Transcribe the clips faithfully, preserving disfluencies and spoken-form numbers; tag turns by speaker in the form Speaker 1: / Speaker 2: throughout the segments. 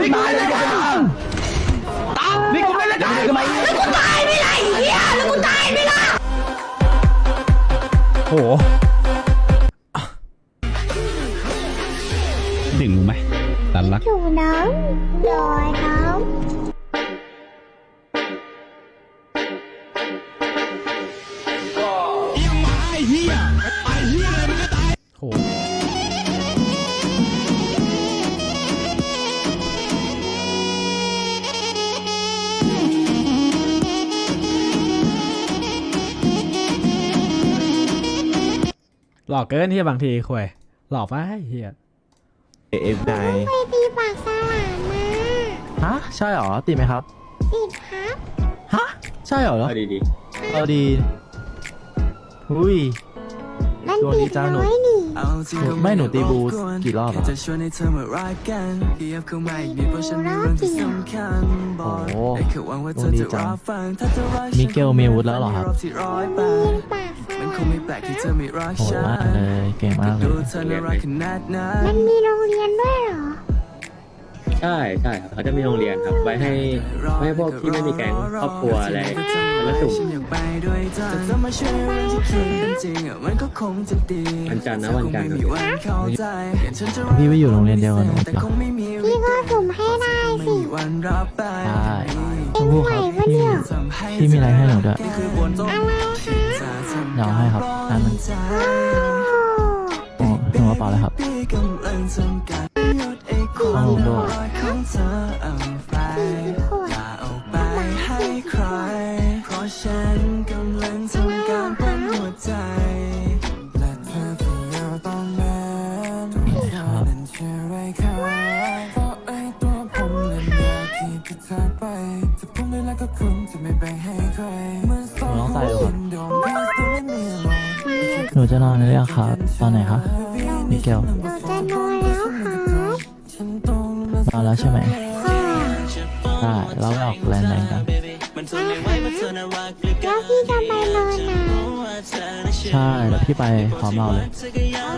Speaker 1: ตายเลยตายนี่กูไม่ได้ตายทำไมกูตายไม่ได้เหี้ยแล้วกูตายไม่ได้
Speaker 2: โอ้โห
Speaker 3: ถึงไหมตันรัก
Speaker 4: อยู่น้องลอยน้อง
Speaker 2: โหหลอกเกินที่บางทีคุยหลอกไปเฮีย
Speaker 5: เอฟไน
Speaker 4: ไปตีปากสลามมา
Speaker 1: ฮะใช่เหรอติดไหมครับ
Speaker 4: ติดครับ
Speaker 1: ฮะใช่เหรอ
Speaker 3: เอาดีดี
Speaker 1: เอาดีอุ้ย
Speaker 4: มัน
Speaker 1: ดวงดี
Speaker 4: ติด
Speaker 1: จ้าหนู
Speaker 4: น้อยนี่
Speaker 1: ไม่หนูตีบูกี่รอบอะ
Speaker 6: จะชวนให้เธอมารักกันเพียบเข้ามาอีกนิดเพราะฉันมีเรื่องที่สำคัญบอกได้แค่หวังว่าเธอจะรับฟังถ้าเธอรักฉัน
Speaker 1: มิเกลมีอาวุธแล้วเหรอครับ
Speaker 6: ที่ร้อยแป
Speaker 4: มี
Speaker 6: ด
Speaker 4: ปากส
Speaker 6: มันค
Speaker 4: ลาง ม
Speaker 6: ไม่แปลกที่เธอไม่รัก
Speaker 1: โหด
Speaker 6: ฉัน
Speaker 1: มากเลยเก่งมากเล
Speaker 6: ดู
Speaker 1: ย
Speaker 6: เธอน่ารักขนาดนั้
Speaker 4: มัน นมีโรงเรียนด้วยเหรอ
Speaker 3: ใช่ใช่ครับเขาจะมีโรงเรียนครับ ไว้ให้ไว้ให้พวกที่ไม่มีแก๊งครอบครัวอะไรแล้วสุ่ม
Speaker 6: ฉันอยากไปด้วยเธอแต่เธอมาช่วยเรื่องที่คิดเป็นจริงอะมันก็คงจะดี
Speaker 3: วันจันทร์นะวันจันทร์
Speaker 6: เธอคงไม่มีวันเข้าใจอย่างฉันจะรัก
Speaker 1: พี่ไปอยู่โรงเรียนเดียวกันหนู
Speaker 6: แต่
Speaker 1: ปะ
Speaker 6: คงไม่มี
Speaker 4: พี่ก็สุ่มให้ได้
Speaker 6: ไม่
Speaker 4: สิ
Speaker 6: มีวันรับไป
Speaker 1: ใช่ชมพู่ครับพี่พี่มีอะไรให้หนูด้วย
Speaker 6: นี่คือบนโต๊ะ
Speaker 4: อะไรคะ
Speaker 1: เดี๋ยวให้ครับอันนึง
Speaker 4: โอ้
Speaker 1: โอ้หนูกระเป๋าเลยครับ
Speaker 6: พี่กำลังทำการหยุดไอ้ค
Speaker 1: เอา
Speaker 6: วาม
Speaker 1: ลงด้วย
Speaker 6: รักของเธอเอาไป
Speaker 4: สี่ขวด
Speaker 6: อย่าเอาไปให้ใคร เพราะฉันกำลังทำการปั้นหัวใจ และเธอที่อยู่ตรงนั้นเธอนั้นเชื่อไรคะเพราะไอ้ตัวผมนั้นอยากที่จะจากไปจะพุ่งได้แล้วก็คงจะไม่แบ่งให้ใครเหมือนสอง
Speaker 1: หนูต้องใส่ดูก่อน
Speaker 6: โดนแค่ตัวไม่มีลม
Speaker 1: หนูจะนอนหรือยังครับตอนไหนครับมิเกล
Speaker 4: หนูจะนอนแล้วครับ
Speaker 1: นอนแล้วใช่ไหม
Speaker 4: ค่ะ
Speaker 1: ได้เราไปออกแลนด์ไหนกัน
Speaker 4: ได้ค่ะแล้วพี่จะไปนอนไหน
Speaker 1: ใช่เดี๋ยวพี่ไปพร้อมเราเลย
Speaker 4: โอเค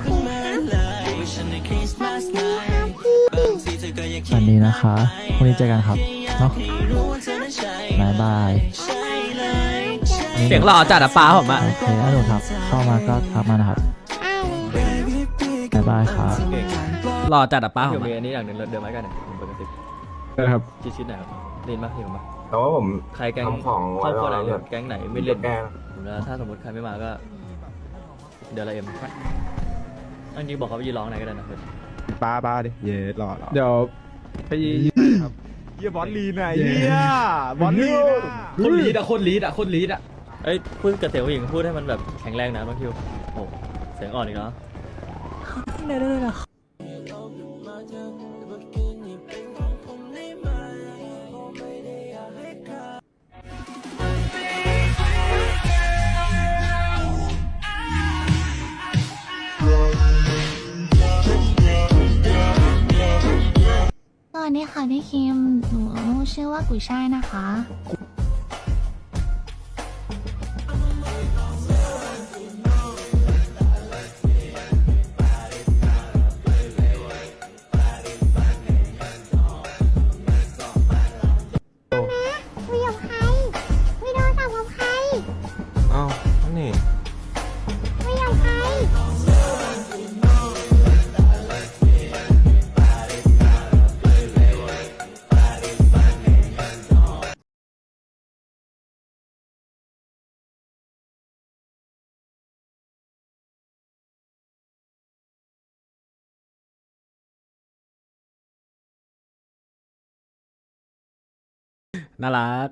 Speaker 4: ครับฝันดีครับพี่
Speaker 1: สวัสดีนะคะพรุ่งนี้เจอกันครับเนาะบายบาย
Speaker 4: เจอ
Speaker 2: เสียงหล่อจัดอะป้าผมอะ
Speaker 1: โอเคฮัลโหลครับ เข้ามาก็ทักมานะครับ
Speaker 4: อ้าว
Speaker 1: บ๊ายบายครับ
Speaker 2: หล่อจัดอะป้าผ
Speaker 3: เดี๋ย
Speaker 2: ม
Speaker 3: วมี
Speaker 2: อะ
Speaker 3: อันนี้อย่างหนึ่งเดินไม้กันหน่อยผมเปิดกระติบ
Speaker 5: นะครับ
Speaker 3: ชิดๆหน่อยครับเล่นปะเห็นปะ
Speaker 5: แต่ว่าผม
Speaker 3: ใครแก๊ง
Speaker 5: ทำของ
Speaker 3: ครอบครัวไหน
Speaker 5: ไว้
Speaker 3: เล่
Speaker 5: แล้ว
Speaker 3: นแก๊งไหนไม่เล่น
Speaker 5: แกล้ง
Speaker 3: แล้วถ้าสมมติใครไม่มาก็ เดี๋ยวเราเอ็มอันนี้บอกเขาไปยืนร้องไหนก็ได้นะเพื่อน
Speaker 5: ป้าป้าดิเย่รอรอ
Speaker 7: เดี๋ยวไปครับเฮียบอสลีนอ่ะเฮียบอสลีนอ่ะ
Speaker 1: คนลีดอะคนลีดอะคนลีดอะ
Speaker 3: เอ้ยพูดกับเสียงผู้หญิงพูดให้มันแบบแข็งแรงนะบางคิวโอ้เสียงอ่อนอีกเนาะ
Speaker 4: สวัสดีค่ะพี่คิม หนูชื่อว่ากุยช่ายนะคะ คุยกับใครคุยโทรศัพท์กับใคร
Speaker 5: อ้าวนี่
Speaker 4: คุยกับใคร
Speaker 2: น่ารัก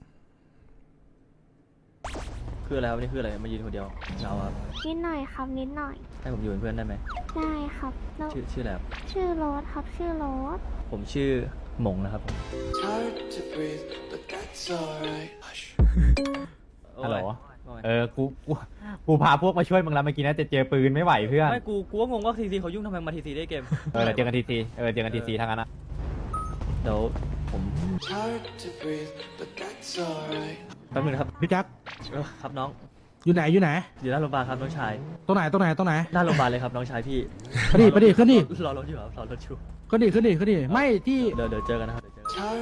Speaker 3: คืออะไรครับนี่คืออะไรมายืนคนเดียวเหงาครับ
Speaker 4: นิดหน่อยครับนิดหน่อย
Speaker 3: ให้ผมอยู่เป็นเพื่อนได้ไหม
Speaker 4: ได้ครับแล้ว
Speaker 3: ชื่อชื่ออะไรครับ
Speaker 4: ชื่อโรสครับชื่อโรส
Speaker 3: ผมชื่อหมงนะครับผม
Speaker 7: ฮัลโหลเออกูกูกูพาพวกมาช่วยมึงแล้วเมื่อกี้นะจะเจอปืนไม่ไหวเพื่อน
Speaker 3: ไม่กูกูก็งงว่าทีซีเขายุ่งทำไมมาทีซีได้เกม
Speaker 7: เออเดี๋ยวเจอกันทีซีเออเจอกันทีซีทางนั้นนะ
Speaker 3: เดี๋ยวผมแป๊บนึงนะครับ
Speaker 8: พี่แจ็ค
Speaker 3: เออครับน้อง
Speaker 8: อยู่ไหนอยู่ไหน
Speaker 3: อยู่หน้าโรงพยาบาลครับน้องชาย
Speaker 8: ตรงไหนตรงไหนตรงไหน
Speaker 3: หน้าโรงพยาบาลเลยครับน้องชายพี่
Speaker 8: ไปดิไปดิขึ้นดิ
Speaker 3: รอรถอยู่ครับรอรถอยู่
Speaker 8: ขึ้นดิขึ้นดิขึ้นดิไม่ที่
Speaker 3: เดี๋ยวเดี๋ยวเจอกันนะครับเดี๋ยวเจอกัน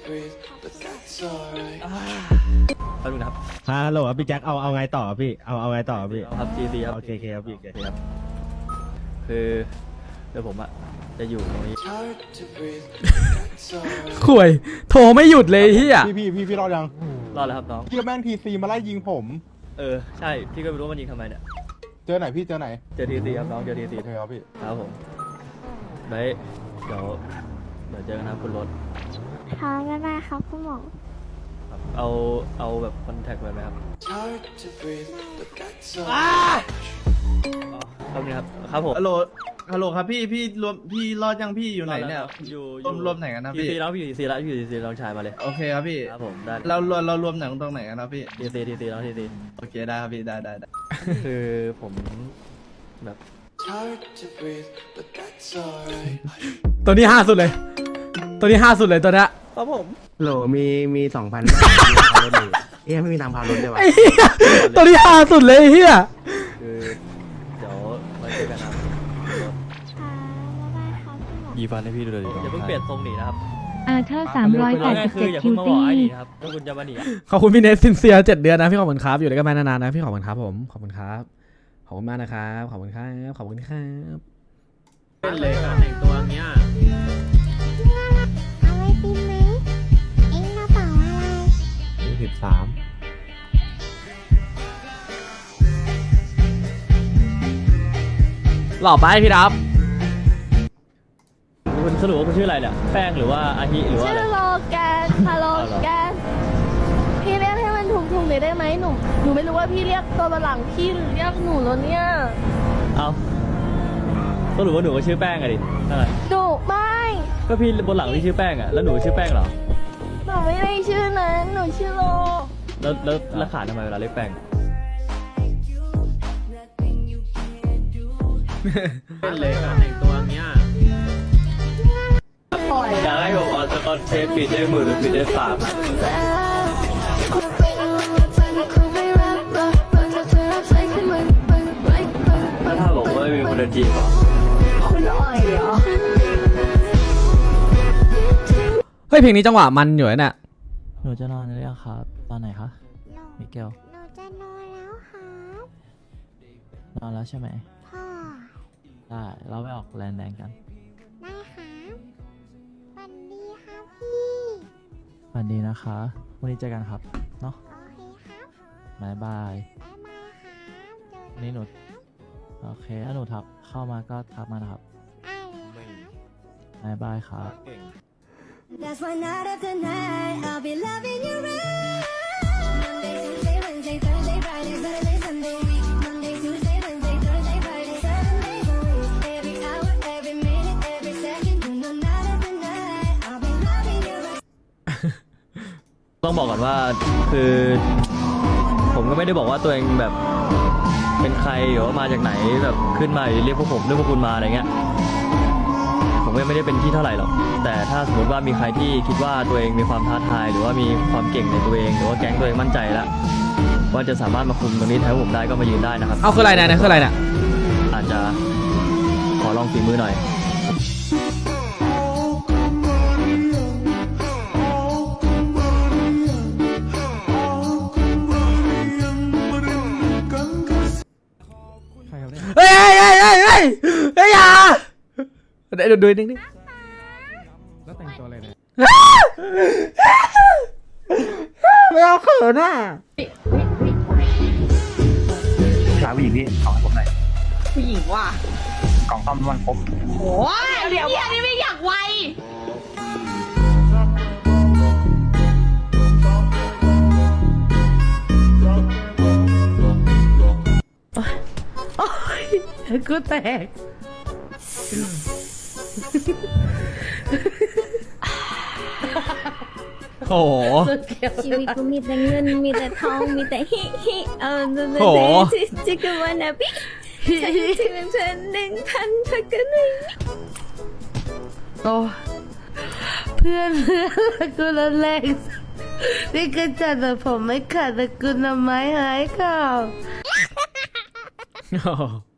Speaker 3: แป๊บนึงนะครับ
Speaker 8: ฮัลโหลพี่แจ็คเอาเอาไงต่อพี่เอาเอาไงต่อพี่
Speaker 3: ครับทีซีครับ
Speaker 8: โอเคโอเคครับพี่โอเค
Speaker 3: โอเคครับคือเดี๋ยวผมอะจะอยู่ตรงนี้
Speaker 2: ข่วย โทรไม่หยุดเลยเฮีย
Speaker 7: พี่พี่พี่พี่รอดยัง
Speaker 3: รอดแล้วครับน้อง
Speaker 7: พี่แม่งทีซีมาไล่ยิงผม
Speaker 3: เออใช่พี่ก็ไม่รู้ว่ามันยิงทำไมเนี่ย
Speaker 7: เจอไหนพี่เจอไหน
Speaker 3: เจอทีซีครับน้องเจอทีซี
Speaker 7: โอเคครับพี่
Speaker 3: ครับผมไว้เดี๋ยวเดี๋ยวเจอกันนะครับคุณรถ
Speaker 4: ค่ะบ๊ายบายครับคุณหมอ
Speaker 3: ครับเอาเอาแบบคอนแทคไว้ไหมครับครับนี่ครับครับผม
Speaker 1: ฮัลโหลฮัลโหลครับพี่พี่รวมพี่รอดยังพี่อยู่ไหนเนี่ย
Speaker 3: อยู่
Speaker 1: รวมรวมไหนกันนะ
Speaker 3: ที
Speaker 1: พี่
Speaker 3: ซีแล้วพี่ทีซีแล้วพี่ทีซีน้องชายมาเลย
Speaker 1: โอเคครับพี่
Speaker 3: ครับผมได้
Speaker 1: เรารวมเรารวมไหนตรงไหนกันนะพี่
Speaker 3: ทีซีทีซีน้องทีซี
Speaker 1: โอเคได้ครับพี่ได้ได้ได้
Speaker 3: คือผมแบบ
Speaker 2: ตัวนี้ห้าสุดเลย ตัวนี้ห้าสุดเลยตัวเนี้ย
Speaker 3: ครับผม
Speaker 5: โหลมีมีสองพันเอ๊ะไม่มีทางพารถเลยวะ
Speaker 2: ไอ้เหี้ยตัวนี้ห้าสุดเลยไอ้เฮีย
Speaker 3: คือเดี๋ยวไว้เจอกันนะครับ
Speaker 4: ค่ะบ๊ายบายครับคุณหมอ
Speaker 9: ยีฟันให้พี่ดูเลยดิ
Speaker 3: อย่าเพิ่งเปลี่ยนทรงหนีนะครับ
Speaker 10: อาเธอร์สามร้อยแปดสิบ
Speaker 3: คื
Speaker 10: เจ็
Speaker 3: อ
Speaker 10: ด
Speaker 3: อย่า
Speaker 10: คิ
Speaker 3: เพิ่
Speaker 10: ว
Speaker 3: งมาบอ
Speaker 10: ตี้
Speaker 3: กไอ้หนีนะครับถ้าคุณจะมาหนีอะ
Speaker 2: ขอบคุณพี่เนสซินเซียเจ็ดเดือนนะพี่ขอบคุณครับอยู่ด้วยกันมานานๆนะพี่ขอบคุณครับผมขอบคุณครับขอบคุณมากนะครับขอบคุณครับขอบคุณครับ
Speaker 4: เอาไอติมไหมเอ็งกระเป๋าอะไร
Speaker 5: สิบสาม
Speaker 2: หล่อไปพี่รับ
Speaker 3: คุณสรุปว่าคุณชื่ออะไรเนี่ยแป้งหรือว่าอาฮิหรือว่า
Speaker 10: ชื่
Speaker 3: อะไร
Speaker 10: อโลแกนค่ะโลแกนพี่เรียกให้มันถูกๆหน่อยได้ไหมหนูหนูไม่รู้ว่าพี่เรียกตัวหลังพี่หรือเรียกหนูแล้วเนี่ย
Speaker 3: เอาสรุปว่าหนูก็ชื่อแป้งอะดินั่นแหละ
Speaker 10: หนูไม่
Speaker 3: ก็พี่บนหลังพี่ชื่อแป้งอะแล้วหนูชื่อแป้งเหรอ
Speaker 10: หนูไม่ได้ชื่อนั้นหนูชื่อโล
Speaker 3: แล้วแล้วแล้วขาดทำไมเวลาเรียกแป้งเป็นเลยการแต่งตัวเนี้ยอยากให้ผมเอาสกอตเทปปิดด้วยมือหรือปิดด้วยปากแล้วถ้าบอกว่าไม่มีคนจีบอ่ะ
Speaker 2: เฮ้ยเพลงนี้จังหวะมันอยู่นะเนี่ย
Speaker 1: หนูจะนอนหรือยังครับตอนไหนคะ มิเกล
Speaker 4: หนูจะนอนแล้วครับ
Speaker 1: นอนแล้วใช่ไหม
Speaker 4: พ่อ
Speaker 1: ได้เราไปออกแลนด์แดงกัน
Speaker 4: ได้ครับฝันดีครับพี่
Speaker 1: ฝันดีนะคะวันนี้เจอกันครับเนาะ
Speaker 4: โอเคครับ
Speaker 1: บายบาย
Speaker 4: บ๊ายบายครับเจอ
Speaker 1: วันนี้หนูโอเคถ้าหนูทักเข้ามาก็ทักมานะครับ
Speaker 4: ได้เลยครับ
Speaker 1: บายบายครับ
Speaker 6: That's why night after night I'll be loving you right Monday, Tuesday, Wednesday, Thursday, Friday, Saturday, Sunday, week Monday, Tuesday, Wednesday, Thursday, Friday, seven days a week Every hour, every minute, every second You know night after night I'll be loving you right
Speaker 3: ต้องบอกก่อนว่าคือผมก็ไม่ได้บอกว่าตัวเองแบบเป็นใครหรือว่ามาจากไหนแบบขึ้นมาเรียกพวกผมเรียกพวกคุณมาอะไรเงี้ยผมก็ไม่ได้เป็นที่เท่าไหร่หรอกแต่ถ้าสมมติว่ามีใครที่คิดว่าตัวเองมีความท้าทายหรือว่ามีความเก่งในตัวเองหรือว่าแก๊งตัวเองมั่นใจแล้วว่าจะสามารถมาคุมตรงนี้แทนผมได้ก็มายืนได้นะครับ
Speaker 2: เอาคืออะไรเนี่ยคืออะไรเนี่ย
Speaker 3: อาจจะขอลองฝีมือหน่อย
Speaker 8: ใครครับเนี่ย
Speaker 2: เฮ้ยเฮ้ยเฮ้ยเฮ้ยเฮ้ยเฮ้ยอย่าเดี๋ยวดูนิดนึง
Speaker 8: แล้วแต่งตัวอะไรเนี่ย
Speaker 2: ไม่เอาเขินอ่ะ
Speaker 7: สาวผู้หญิงพี่ของผมหน่อย
Speaker 10: ผู้หญิงว่ะ
Speaker 7: กล่องซ่อมน้ำมันครบ
Speaker 10: โอ้ยเดี๋ยวนี่ไม่อยากไวโอ้ยกูแตก
Speaker 2: โอ้โห
Speaker 4: ชีวิตกูมีแต่เงินมีแต่ทองมีแต่ฮิฮิเออ
Speaker 2: โอ้โห
Speaker 4: จิจิกวันนะพี่ฉันที่เป็นเพื่อนหนึ่งพันเธอก็หนึ่ง
Speaker 10: โอ้เพื่อนเพื่อนกูละแรงนี่ก็จัดแต่ผมไม่ขาดแต่กูนำไม้หายข่าว